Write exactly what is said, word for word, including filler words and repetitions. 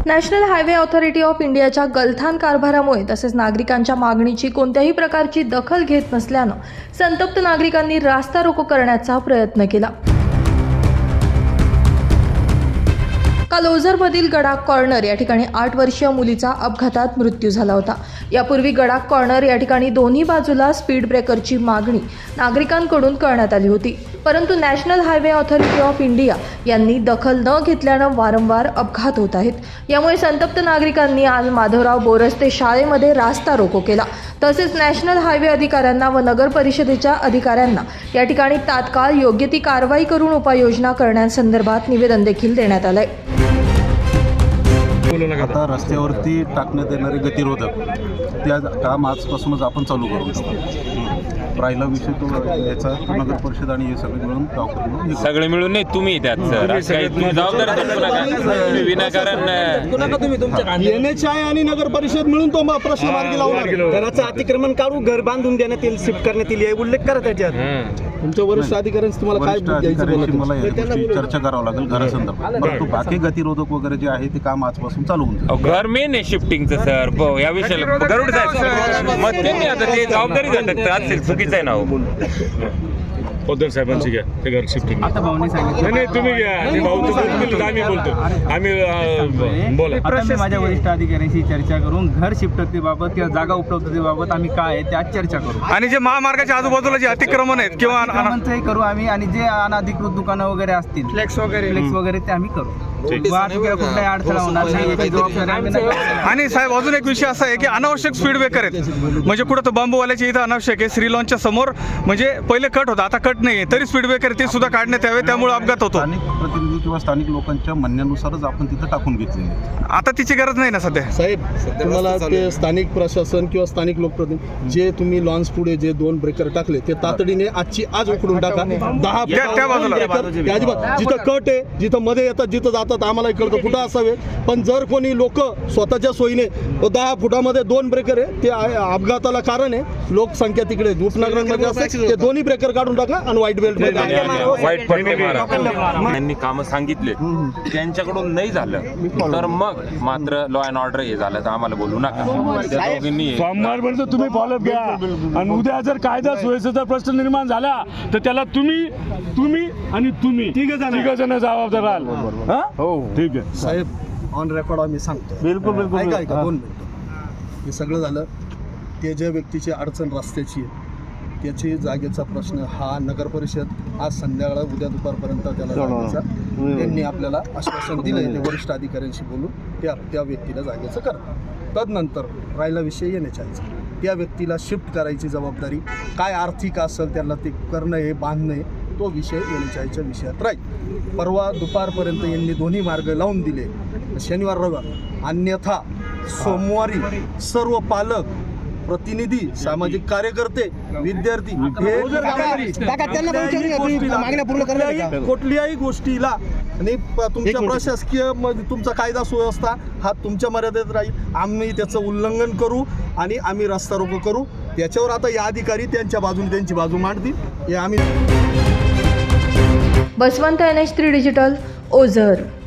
National highway authority of इंडियाच्या गलथान कारभारामुळे तसेच नागरिकांच्या मागणीची कोणत्याही प्रकारची दखल घेत नसल्यानं संतप्त नागरिकांनी रास्ता रोको करण्याचा प्रयत्न केला। काल ओझरमधील गडाख कॉर्नर या ठिकाणी आठ वर्षीय मुलीचा अपघातात मृत्यू झाला होता। यापूर्वी गडाख कॉर्नर या ठिकाणी दोन्ही बाजूला स्पीड ब्रेकरची मागणी नागरिकांकडून करण्यात आली होती, परंतु national highway authority of India यांनी दखल न घेतल्यानं वारंवार अपघात होत आहेत। यामुळे संतप्त नागरिकांनी आज माधवराव बोरस्ते शाळेमध्ये रास्ता रोको केला। तसेच नॅशनल हायवे अधिकाऱ्यांना व नगर परिषदेच्या अधिकाऱ्यांना या ठिकाणी तात्काळ योग्य ती कारवाई करून उपाययोजना करण्यासंदर्भात निवेदन देखील देण्यात आले। आता रस्त्यावरती टाकण्यात येणारे गतिरोधक त्या काम आजपासूनच आपण चालू करू शकतो। राहिला विषय तो याचा नगर परिषद आणि हे सगळे मिळून गाव करून सगळे मिळून नाही, तुम्ही त्यात सर काही तुम्ही जबाबदारी धरू नका, तुम्ही विनाकारण एन एच आय आणि नगर परिषद मिळून तो प्रश्न मार्गी लावणार। घराचं अतिक्रमण काढून घर बांधून देण्यात येईल, शिफ्ट करण्यात येईल, हे उल्लेख करा त्याच्यात। तुमच्या वरिष्ठ अधिकाऱ्यांची तुम्हाला काय द्यायचं मला या गोष्टी चर्चा करावं लागेल घरासंदर्भात, परंतु बाकी गतिरोधक वगैरे जे आहे ते काम आजपासून चालू होऊन घर मेन आहे शिफ्टिंगचं सर। या विषयाला गरुड साहेब मग त्यांनी आता ते जबाबदारी धरतात असेल, चुकीचं आहे ना हो। पद्धर साहेबांची घ्या ते घर शिफ्टिंग आता भाऊनी सांगितलं नाही तुम्ही घ्या ते भाऊ तुम्ही आम्ही बोलतो आम्ही बोला। आता मी माझ्या वरिष्ठ अधिकाऱ्यांशी चर्चा करून घर शिफ्टतेबाबत किंवा जागा उपलब्धतेबाबत आम्ही काय आहे त्यात चर्चा करू आणि जे महामार्गाच्या आजूबाजूला जे अतिक्रमण आहेत किंवा अतिक्रमणचंही करू आम्ही, आणि जे अनधिकृत दुकानं वगैरे असतील फ्लेक्स वगैरे फ्लेक्स वगैरे ते आम्ही करू। वाहतुकीला कुठलाही अडथळा होणार नाही याची जबाबदारी आम्ही नाही। आणि साहेब अजून एक विषय असा आहे की अनावश्यक स्पीड ब्रेकर आहेत, म्हणजे कुठं तर बांबूवाल्याच्या इथं अनावश्यक आहे। श्री लॉनच्या समोर म्हणजे पहिले कट होता, आता कट नाही तरी स्पीड ब्रेकर ते सुद्धा काढण्यात यावे, त्यामुळे अपघात होतो। स्थानिक प्रतिनिधी किंवा स्थानिक लोकांच्या म्हणण्यानुसारच आपण तिथं टाकून घेतलेले। आता तिची गरज नाही ना सध्या साहेब। तुम्हाला ते स्थानिक प्रशासन किंवा स्थानिक लोकप्रतिनिधी जे तुम्ही लॉन्स पुढे जे दोन ब्रेकर टाकले ते तातडीने आजची आज उकडून टाका। दहा त्या बाजूला अजिबात जिथं कट आहे, जिथं मध्ये येतात, जिथं जातात आम्हाला कळतं कुठं असावे, पण जर कोणी लोक स्वतःच्या सोयीने दहा फुटामध्ये दोन ब्रेकर आहे ते अपघाताला कारण आहे। लोकसंख्या तिकडे उपनगरांमध्ये असते, ते दोन्ही ब्रेकर काढून टाका आणि व्हाईट बेल्ट वाईट पट्टे मारा। त्यांनी कामं सांगितले, त्यांच्याकडून नाही झालं तर मग मात्र लॉ अँड ऑर्डर हे झालं तर आम्हाला बोलू नका। त्या दोघींनी सोमवारपर्यंत तुम्ही फॉलोअप घ्या आणि उद्या जर कायदा सुव्यवस्थेचा प्रश्न निर्माण झाला तर त्याला तुम्ही तुम्ही आणि तुम्ही तिघ जण जबाबदार राहाल। हो ठीक आहे साहेब, ऑन रेकॉर्ड आम्ही सांगतो। बिलकुल बिलकुल ऐका ऐका दोन मिनिटं। हे सगळं झालं, ते ज्या व्यक्तीची अडचण रस्त्याची आहे त्याची जागेचा प्रश्न हा नगर परिषद आज संध्याकाळ उद्या दुपारपर्यंत त्याला जागेचा त्यांनी आपल्याला आश्वासन दिलं आहे, ते वरिष्ठ अधिकाऱ्यांशी बोलून त्या त्या व्यक्तीला जागेचं करा। तदनंतर राहिला विषय येण्याच्या त्या व्यक्तीला शिफ्ट करायची जबाबदारी काय आर्थिक असेल त्यांना ते करणं हे बांधणं आहे, तो विषय येण्याच्या विषयात राहील। परवा दुपारपर्यंत यांनी दोन्ही मार्ग लावून दिले, शनिवार रविवार, अन्यथा सोमवारी सर्व पालक प्रतिनिधी सामाजिक कार्यकर्ते विद्यार्थी कुठल्याही गोष्टीला आणि तुमच्या प्रशासकीय तुमचा कायदा सुव्यवस्था हा तुमच्या मर्यादेत राहील। आम्ही त्याचं उल्लंघन करू आणि आम्ही रस्ता रोको करू, त्याच्यावर आता या अधिकारी त्यांच्या बाजूने त्यांची बाजू मांडतील हे आम्ही। Basavant N H three digital Ozar.